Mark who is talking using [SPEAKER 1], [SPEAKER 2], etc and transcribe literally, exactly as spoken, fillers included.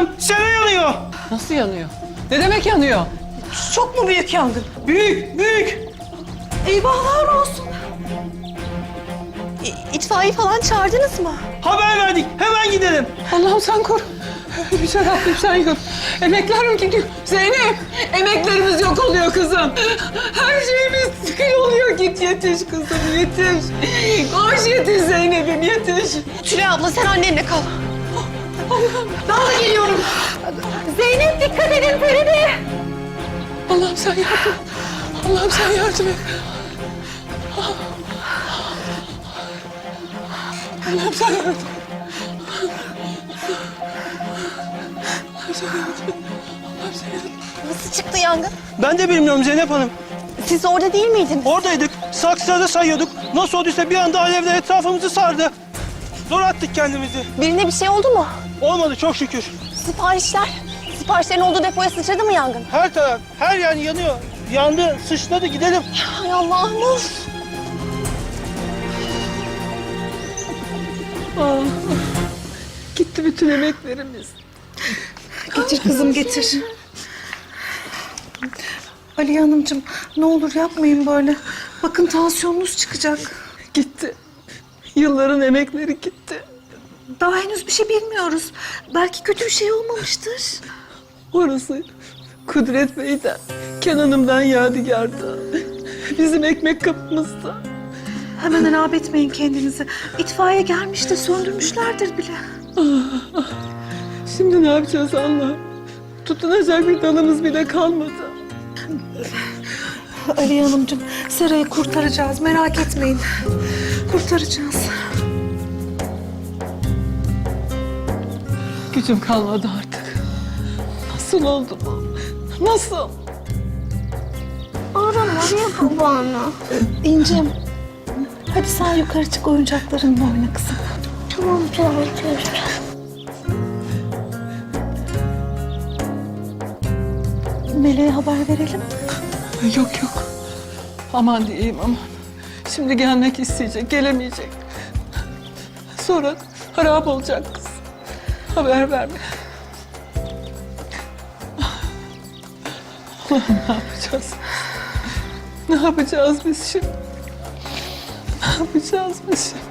[SPEAKER 1] Hanım, sera yanıyor.
[SPEAKER 2] Nasıl yanıyor? Ne demek yanıyor?
[SPEAKER 3] Çok mu büyük yangın?
[SPEAKER 1] Büyük, büyük.
[SPEAKER 3] Eyvahlar olsun. İ- İtfaiye falan çağırdınız mı?
[SPEAKER 1] Haber verdik, hemen gidelim.
[SPEAKER 2] Allah'ım sen koru. Yüce Rabbim sen yok. Emeklerim gidiyor. Zeynep, emeklerimiz yok oluyor kızım. Her şeyimiz kıl oluyor. Git yetiş kızım, yetiş. Koş yetiş Zeynep'im, yetiş.
[SPEAKER 3] Tülay abla sen annenle kal. Ben de geliyorum. Zeynep dikkat edin Feride.
[SPEAKER 2] Allah'ım sen yardım et. Allah'ım sen yardım et. Allah'ım sen yardım et. Allah'ım sen yardım et. Allah'ım sen yardım et.
[SPEAKER 3] Nasıl çıktı yangın?
[SPEAKER 1] Ben de bilmiyorum Zeynep Hanım.
[SPEAKER 3] Siz orada değil miydiniz?
[SPEAKER 1] Oradaydık, saksıları sayıyorduk. Nasıl olduysa bir anda alevler etrafımızı sardı. Zor attık kendimizi.
[SPEAKER 3] Birine bir şey oldu mu?
[SPEAKER 1] Olmadı çok şükür.
[SPEAKER 3] Siparişler. Siparişlerin olduğu depoya sıçradı mı yangın?
[SPEAKER 1] Her taraf, her yer yanıyor. Yandı, sıçradı, gidelim.
[SPEAKER 3] Hay Allah'ım of.
[SPEAKER 2] Ah, gitti bütün emeklerimiz.
[SPEAKER 4] Getir kızım getir. Aliye Hanımcığım ne olur yapmayın böyle. Bakın tansiyonunuz çıkacak.
[SPEAKER 2] Gitti. Yılların emekleri gitti.
[SPEAKER 4] Daha henüz bir şey bilmiyoruz. Belki kötü bir şey olmamıştır.
[SPEAKER 2] Orası Kudret Bey'den, Kenan'ımdan yadigardı. Bizim ekmek kapımızda.
[SPEAKER 4] Hemen harap etmeyin kendinizi. İtfaiye gelmiş de söndürmüşlerdir bile.
[SPEAKER 2] Şimdi ne yapacağız Allah'ım? Tutunacak bir dalımız bile kalmadı.
[SPEAKER 4] Aliye Hanımcığım Sera'yı kurtaracağız merak etmeyin. Kurtaracağız.
[SPEAKER 2] Gücüm kalmadı artık. Nasıl oldu bu? Nasıl?
[SPEAKER 3] Arama araya babanı.
[SPEAKER 4] İncim hadi sen yukarı çık oyuncaklarınla oyna kızım.
[SPEAKER 3] Tamam tamam teyze.
[SPEAKER 4] Meleğe haber verelim.
[SPEAKER 2] Yok yok. Aman diyeyim aman. Şimdi gelmek isteyecek, gelemeyecek. Sonra harap olacak kız. Haber verme. Allah'ım ne yapacağız? Ne yapacağız biz şimdi? Ne yapacağız biz şimdi?